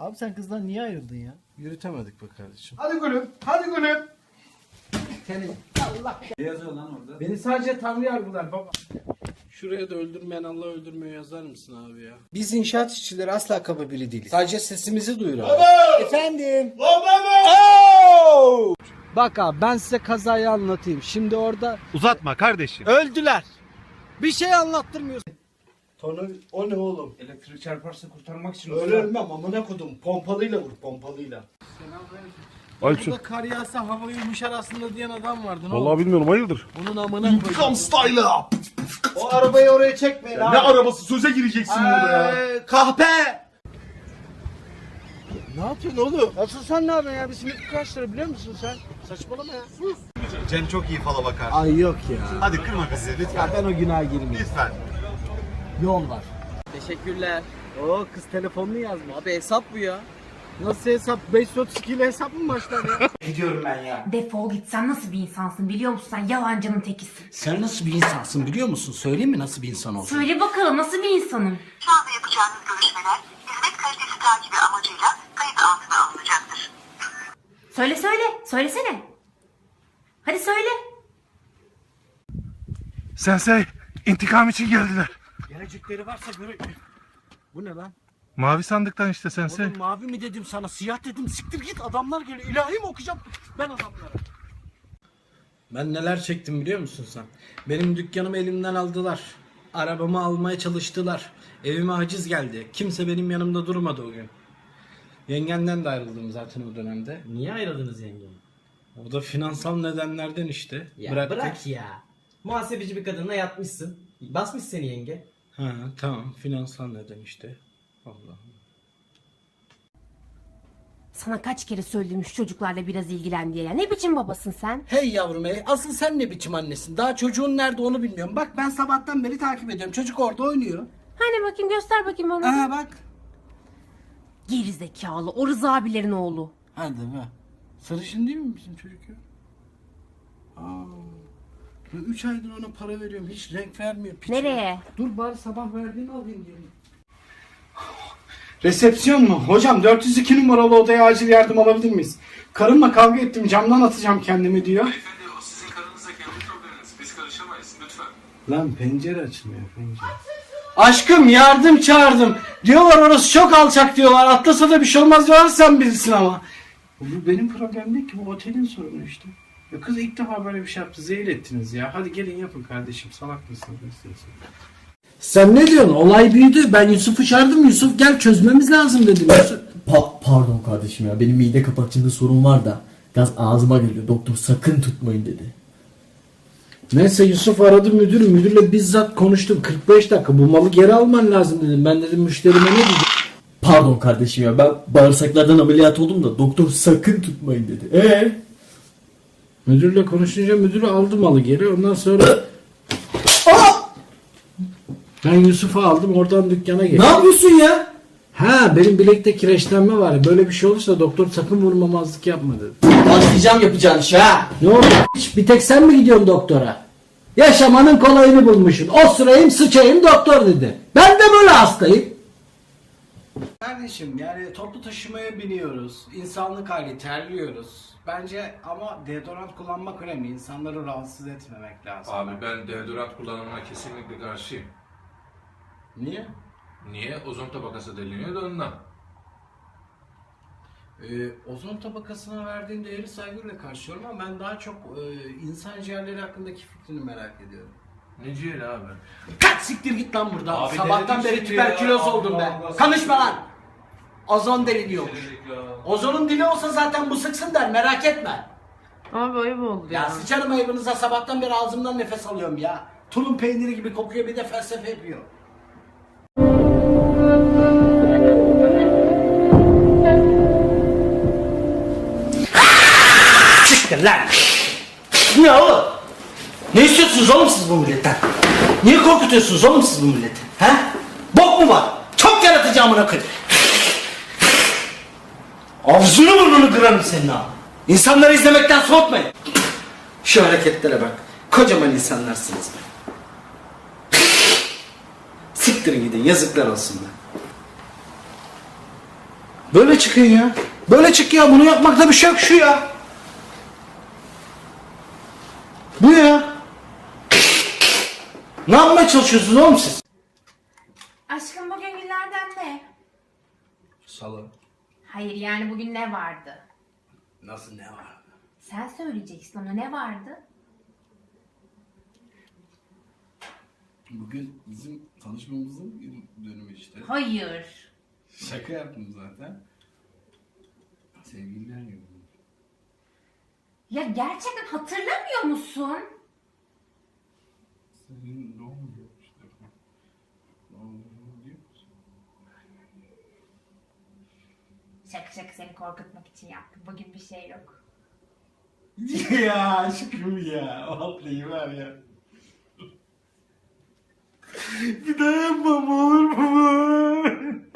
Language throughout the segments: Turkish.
Abi sen kızdan niye ayrıldın ya? Yürütemedik be kardeşim. Hadi gülüm, hadi gülüm. Senin. Allah. Ne yazıyor lan orada? Beni sadece Tanrı yargılar baba. Şuraya da öldürmeyen Allah öldürmüyor yazar mısın abi ya? Biz inşaat işçileri asla kaba biri değiliz. Sadece sesimizi duyuralım. Baba! Efendim? Baba! Bak abi ben size kazayı anlatayım. Şimdi orada Uzatma kardeşim. öldüler. Bir şey anlattırmıyorsun. O ne oğlum? Elektrik çarparsa kurtarmak için. Öyle ölmem amına kodum. Pompalıyla vur pompalıyla. Burada kar yağsa hava yumuşar aslında diyen adam vardı. Ne oldu? bilmiyorum hayırdır. Bunun amına koyayım. İntikam style'ı. O arabayı oraya çekmeyin abi. Ne arabası? Söze gireceksin burada ya. Kahpe! Ne yapıyorsun oğlum? Asıl sen ne yapıyorsun ya? Bir simit kaç lira biliyor musun sen? Saçmalama ya. Sus. Cem çok iyi fala bakar. Ay yok ya. Hadi kırma bizi lütfen. Ya ben o günaha girmeyeyim. Lütfen. Yol var. Teşekkürler. Oo kız telefonunu yazmış. Abi hesap bu ya. Nasıl hesap? 532 ile hesap mı başlar ya? Gidiyorum ben ya. Defol git, sen nasıl bir insansın biliyor musun? Sen yalancının tekisin. Sen nasıl bir insansın biliyor musun? Söyleyeyim mi nasıl bir insan olduğunu? Söyle bakalım, nasıl bir insanım? Şu anda yapacağınız görüşmeler hizmet kalitesi takibi amacıyla kayıt altına alınacaktır. Söylesene. Hadi söyle. Sensei intikam için geldiler. Gelecekleri varsa göre... Bu ne lan? Mavi sandıktan işte sensei. Oğlum mavi mi dedim sana, siyah dedim. Siktir git, adamlar geliyor. İlahi mi okuyacağım ben adamlara? Ben neler çektim biliyor musun sen? Benim dükkanımı elimden aldılar. Arabamı almaya çalıştılar. Evime haciz geldi. Kimse benim yanımda durmadı o gün. Yengenden de ayrıldım zaten o dönemde. Niye ayrıldınız yengem? O da finansal nedenlerden işte. Ya Bıraktık. bırak ya. Muhasebeci bir kadınla yatmışsın. Basmış seni yenge. Ha tamam, finansal neden işte. Allah. Sana kaç kere söyledim şu çocuklarla biraz ilgilen diye ya. Ne biçim babasın sen? Hey yavrum hey, asıl sen ne biçim annesin? Daha çocuğun nerede onu bilmiyorum. Bak ben sabahtan beri takip ediyorum. Çocuk orada oynuyor. Hani bakayım, göster bakayım bana. Aha bak. Geri zekalı, o Rıza abilerin oğlu. Hadi be. Sarışın değil mi bizim çocuk ya? Aa. 3 aydır ona para veriyorum. Hiç renk vermiyor. Piç. Nereye? Dur bari sabah verdiğini alayım diyorum. Resepsiyon mu? Hocam 402 numaralı odaya acil yardım alabilir miyiz? Karımla kavga ettim, camdan atacağım kendimi diyor. Beyefendi o sizin karınızla kendi probleminiz. Biz karışamayız lütfen. Lan pencere açmıyor pencere. Aşkım yardım çağırdım. Diyorlar orası çok alçak diyorlar. Atlasa da bir şey olmaz diyorlar, sen bilirsin ama. Bu benim problem değil ki, bu otelin sorunu işte. Ya kız ilk defa böyle bir şey yaptı. Zehir ettiniz ya. Hadi gelin yapın kardeşim. Salak mısınız? Sen ne diyorsun? Olay büyüdü. Ben Yusuf'u çağırdım. Yusuf gel çözmemiz lazım dedim. Yusuf... Pardon kardeşim ya, benim mide kapakçığında sorun var da gaz ağzıma geliyor, doktor sakın tutmayın dedi. Neyse Yusuf aradı müdürü. Müdürle bizzat konuştum. 45 dakika bu malı geri alman lazım dedim. Ben dedim müşterime ne diyeceğim? Pardon kardeşim ya, ben bağırsaklardan ameliyat oldum da doktor sakın tutmayın dedi. Müdürle konuşunca müdürü aldı malı geri. Ondan sonra... Ben Yusuf'u aldım, oradan dükkana geçtim. Ne yapıyorsun ya? Ha, benim bilekte kireçlenme var. Böyle bir şey olursa doktor sakın vurmamazlık yapma dedi. Başlayacağım yapacağın işe ha. Ne oldu? Bir tek sen mi gidiyorsun doktora? Yaşamanın kolayını bulmuşsun. Osurayım sıçayım doktor dedi. Ben de böyle hastayım. Kardeşim yani toplu taşımaya biniyoruz. İnsanlık hali, terliyoruz. Bence ama deodorant kullanmak önemli. İnsanları rahatsız etmemek lazım. Abi ben deodorant kullanımına kesinlikle karşıyım. Niye? Niye? Ozon tabakası deliniyor da ondan. Ozon tabakasına verdiğin değeri saygıyla karşılıyorum ama ben daha çok insan ciğerleri hakkındaki fikrini merak ediyorum. Ne ciğeri abi? Kaç siktir git lan buradan. Abi Sabahtan denedik beri şimdi tüberküloz ya. oldum Allah ben. Allah. Konuşma lan. Ozon deliniyormuş. Denedik ya. Ozonun dili olsa zaten bu sıksın der, merak etme. Abi ayıp oldu Ya sıçarım ayıbınıza, sabahtan beri ağzımdan nefes alıyorum ya. Tulum peyniri gibi kokuyor, bir de felsefe yapıyor. Siktir lan. Ne oğlum? Ne istiyorsunuz oğlum siz bu milletten? Niye korkutuyorsunuz oğlum siz bu milleti? He? Bok mu var? Çok yaratıcı amına koyayım. Ağzını burnunu kırarım senin ha. İnsanları izlemekten soğutmayın. Şu hareketlere bak. Kocaman insanlarsınız be. Siktirin gidin, yazıklar olsun be. Böyle çıkın ya. Böyle çık ya. Bunu yapmakta bir şey yok şu ya. Bu ya. Ne yapmaya çalışıyorsunuz oğlum siz? Aşkım bugün günlerden ne? Salı. Hayır yani bugün ne vardı? Nasıl ne var? Sen söyleyeceksin ona ne vardı? Bugün bizim tanışmamızın dönümü işte. Hayır. Şaka yaptım zaten. Sevgililer günü. Ya gerçekten hatırlamıyor musun? Senin doğum günü işte. Doğum günü diyor musun? Şaka seni korkutmak için yaptım. Bugün bir şey yok. Ya aşkım ya. Vallahi var ya. Bir daha yapmam olur mu?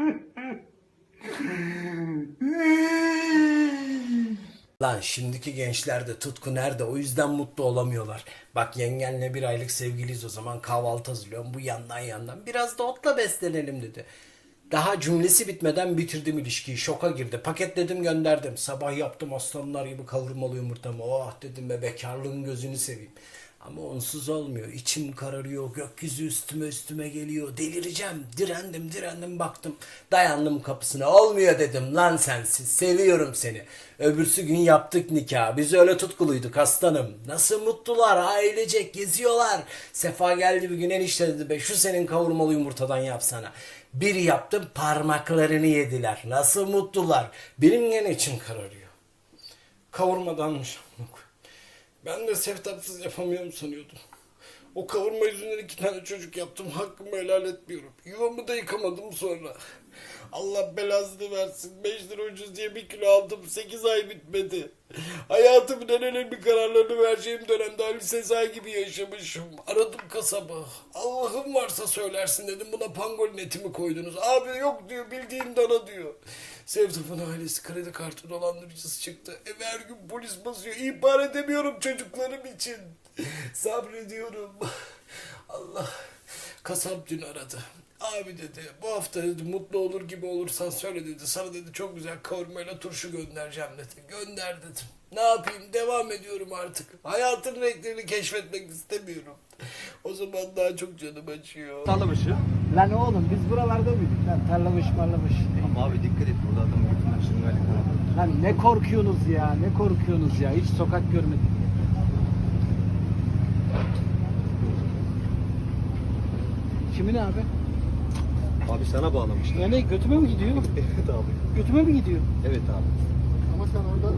Lan şimdiki gençlerde tutku nerede? O yüzden mutlu olamıyorlar. Bak yengenle bir aylık sevgiliyiz o zaman kahvaltı hazırlıyorum. Bu yandan biraz da otla beslenelim dedi. Daha cümlesi bitmeden bitirdim ilişkiyi. Şoka girdi. Paketledim gönderdim. Sabah yaptım aslanlar gibi kavurmalı yumurtamı. Oh dedim be bekarlığın gözünü seveyim. Ama onsuz olmuyor. İçim kararıyor. Gökyüzü üstüme geliyor. Delireceğim. Direndim baktım. Dayandım kapısına. Olmuyor dedim. Lan sensiz. Seviyorum seni. Öbürsü gün yaptık nikah. Biz öyle tutkuluyduk aslanım. Nasıl mutlular. Ailecek geziyorlar. Sefa geldi bir gün enişte dedi be şu senin kavurmalı yumurtadan yapsana. Bir yaptım parmaklarını yediler. Nasıl mutlular. Benim gene içim kararıyor. Kavurmadanmış. Ben de seftapsız yapamıyorum sanıyordum. O kavurma yüzünden 2 tane çocuk yaptım. Hakkımı helal etmiyorum. Yuvamı da yıkamadım sonra. Allah belasını versin. 5 lira ucuz diye 1 kilo aldım. 8 ay bitmedi. Hayatımın en önemli kararlarını vereceğim dönemde Ali Sezai gibi yaşamışım. Aradım kasabı. Allah'ım varsa söylersin dedim. Buna pangolin eti mi koydunuz? Abi yok diyor. Bildiğin dana diyor. Sevdap'ın ailesi kredi kartı dolandırıcısı çıktı. Eve her gün polis basıyor. İhbar edemiyorum çocuklarım için. Sabrediyorum. Allah. Kasap dün aradı. Abi dedi bu hafta dedi mutlu olur gibi olursan söyle dedi. Sana dedi çok güzel kavurmayla turşu göndereceğim dedi. Gönder dedim. Ne yapayım devam ediyorum artık. Hayatın renklerini keşfetmek istemiyorum. O zaman daha çok canım acıyor. Tarlabaşı. Lan oğlum biz buralarda mıydık lan? Tarlamış marlamış. Ama abi dikkat et burada adamın götünden şırıngali koyuyor. Lan ne korkuyorsunuz ya? Ne korkuyorsunuz ya? Hiç sokak görmedik. Kimin abi? Abi sana bağlamışlar. Ya ne götüme mi gidiyor? Evet abi. Götüme mi gidiyor? Evet abi. Ama sen orada...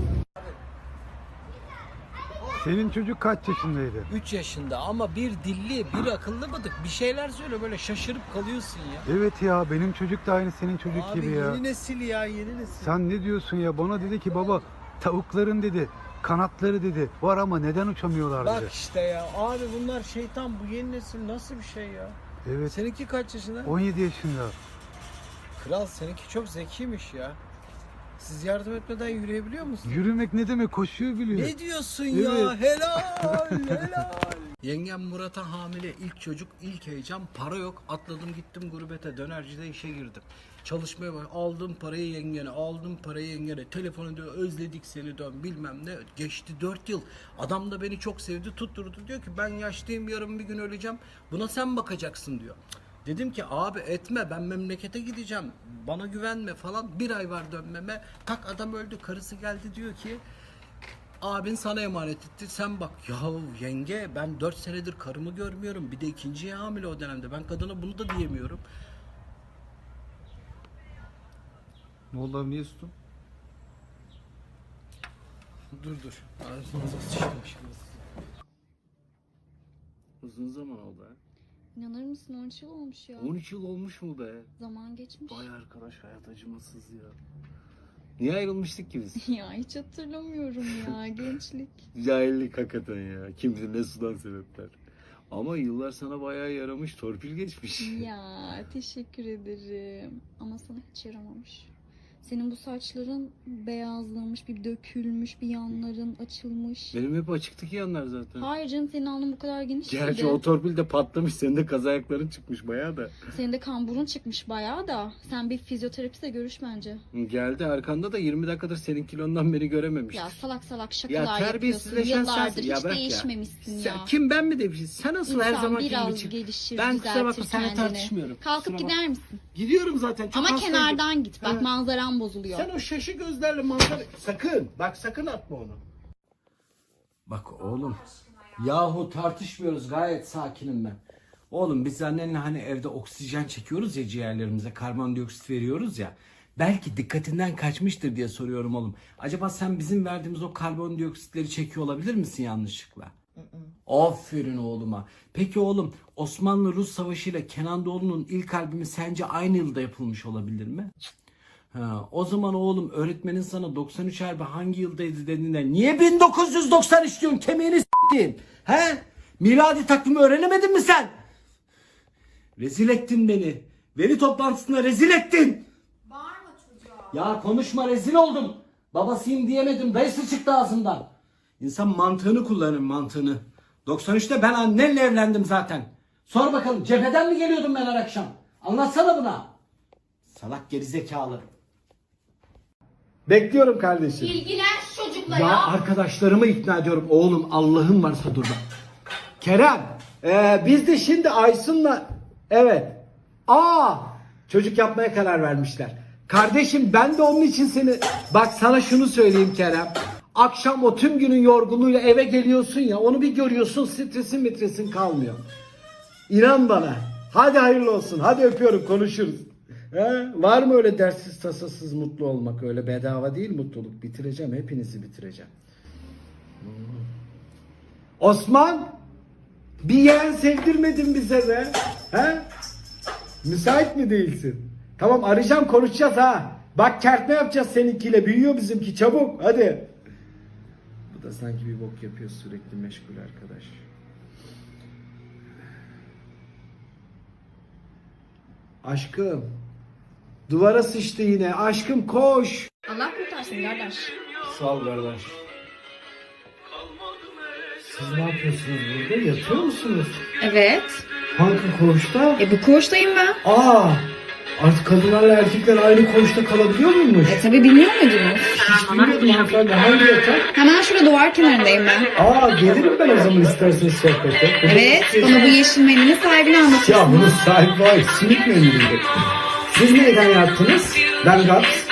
Senin çocuk kaç yaşındaydı? 3 yaşında ama bir dilli, bir akıllı mıdık? Bir şeyler söyle böyle şaşırıp kalıyorsun ya. Evet ya benim çocuk da aynı senin çocuk Abi gibi ya. yeni nesil ya yeni nesil. Sen ne diyorsun ya? Bana dedi ki baba tavukların dedi kanatları dedi var ama neden uçamıyorlar Bak dedi. işte ya abi bunlar şeytan bu yeni nesil nasıl bir şey ya? Evet. Seninki kaç yaşında? 17 yaşında. Kral seninki çok zekiymiş ya. Siz yardım etmeden yürüyebiliyor musunuz? Yürümek ne demek? Koşuyor biliyor. Ne diyorsun ya? Evet. Helal. Yengem Murat'a hamile, ilk çocuk, ilk heyecan, para yok. Atladım gittim gurbete, dönercide işe girdim. Çalışmaya bak, aldım parayı yengene, telefon ediyor, özledik seni dön bilmem ne. Geçti 4 yıl. Adam da beni çok sevdi, tutturdu diyor ki ben yaşlıyım yarın bir gün öleceğim. Buna sen bakacaksın diyor. Dedim ki abi etme ben memlekete gideceğim. Bana güvenme falan. 1 ay var dönmeme. Tak adam öldü. Karısı geldi diyor ki abin sana emanet etti sen bak. Yahu yenge ben 4 senedir karımı görmüyorum. Bir de ikinciye hamile o dönemde. Ben kadına bunu da diyemiyorum. Ne oldu abi niye sustun? Dur. Ağzınıza sıçtım şimdi. Uzun zaman oldu ha. İnanır mısın 13 yıl olmuş ya. 13 yıl olmuş mu be? Zaman geçmiş. Vay arkadaş hayat acımasız ya. Niye ayrılmıştık ki biz? Ya hiç hatırlamıyorum ya gençlik. Cahillik hakikaten ya. Kim bilir ne sudan sebepler. Ama yıllar sana bayağı yaramış, torpil geçmiş. Ya teşekkür ederim. Ama sana hiç yaramamış. Senin bu saçların beyazlamış, bir dökülmüş, bir yanların açılmış. Benim hep açıktı ki yanlar zaten. Hayır canım, senin alnın bu kadar geniş Gerçi miydi? o torpil de patlamış. Senin de kaz ayakların çıkmış bayağı da. Senin de kamburun çıkmış bayağı da. Sen bir fizyoterapiste görüş bence. Geldi arkanda da 20 dakikadır senin kilondan beri görememiştir. Ya salak salak Ya şakalar yapıyorsun. terbiyesizleşen Yıllardır sensin. Ya hiç bırak ya. değişmemişsin ya. Kim ben mi demişim? Sen asıl her İnsan zaman biraz için. gelişir, Ben kusura bakma düzeltir seninle kendini. tartışmıyorum. Kalkıp Kusura gider misin? Gidiyorum zaten. Çok Ama hastaydım. kenardan git. Bak Ha. manzaran bozuluyor. Sen o şaşı gözlerle manzara... Sakın. Bak sakın atma onu. Bak oğlum. Yahu tartışmıyoruz. Gayet sakinim ben. Oğlum biz annenle hani evde oksijen çekiyoruz ya ciğerlerimize. Karbondioksit veriyoruz ya. Belki dikkatinden kaçmıştır diye soruyorum oğlum. Acaba sen bizim verdiğimiz o karbondioksitleri çekiyor olabilir misin yanlışlıkla? Aferin oğluma. Peki oğlum Osmanlı-Rus Savaşı ile Kenan Doğulu'nun ilk albümü sence aynı yılda yapılmış olabilir mi? Ha, o zaman oğlum öğretmenin sana 93 harbi hangi yıldaydı dediğinde niye 1993 diyorsun, kemiğini s**tin? He? Miladi takvimi öğrenemedin mi sen? Rezil ettin beni. Veli toplantısında rezil ettin. Bağırma çocuğa. Ya konuşma, rezil oldum. Babasıyım diyemedim, dayısı çıktı ağzından. İnsan mantığını kullanır, mantığını. 93'te ben annenle evlendim zaten. Sor bakalım cepheden mi geliyordum ben her akşam? Anlatsana buna. Salak gerizekalı. Bekliyorum kardeşim. İlgilen şu çocukla Ya arkadaşlarımı ikna ediyorum. Oğlum Allah'ın varsa dur bak. Kerem, biz de şimdi Aysun'la... Evet. Çocuk yapmaya karar vermişler. Kardeşim ben de onun için seni... Bak sana şunu söyleyeyim Kerem. Akşam o tüm günün yorgunluğuyla eve geliyorsun ya, onu bir görüyorsun, stresin kalmıyor. İnan bana. Hadi hayırlı olsun. Hadi öpüyorum, konuşuruz. Var mı öyle derssiz tasasız mutlu olmak? Öyle bedava değil mutluluk. Bitireceğim, hepinizi bitireceğim. Osman, bir yeğen sevdirmedin bize be. He? Müsait mi değilsin? Tamam, arayacağım, konuşacağız ha. Bak kertme yapacağız seninkiyle. Büyüyor bizimki, çabuk hadi. Bu da sanki bir bok yapıyor, sürekli meşgul arkadaş. Aşkım. Duvara sıçtı yine. Aşkım koş. Allah kurtarsın kardeş. Sağ ol kardeş. Siz ne yapıyorsunuz burada? Yatıyor musunuz? Evet. Hangi koğuşta? Bu koğuştayım ben. Artık kadınlarla erkekler aynı koğuşta kalabiliyor muymuş? Tabii bilmiyor muydunuz? Hiç bilmiyordum hanımefendi. Hangi yatak? Hemen şurada duvar kenarındayım ben. Gelirim ben o zaman isterseniz sohbete. Evet, bana bu yeşil mendilin sahibini anlatıyorsun. Ya bunun sahibi var. Simit memnuniydi. Siz neyden yattınız? Ben Gats.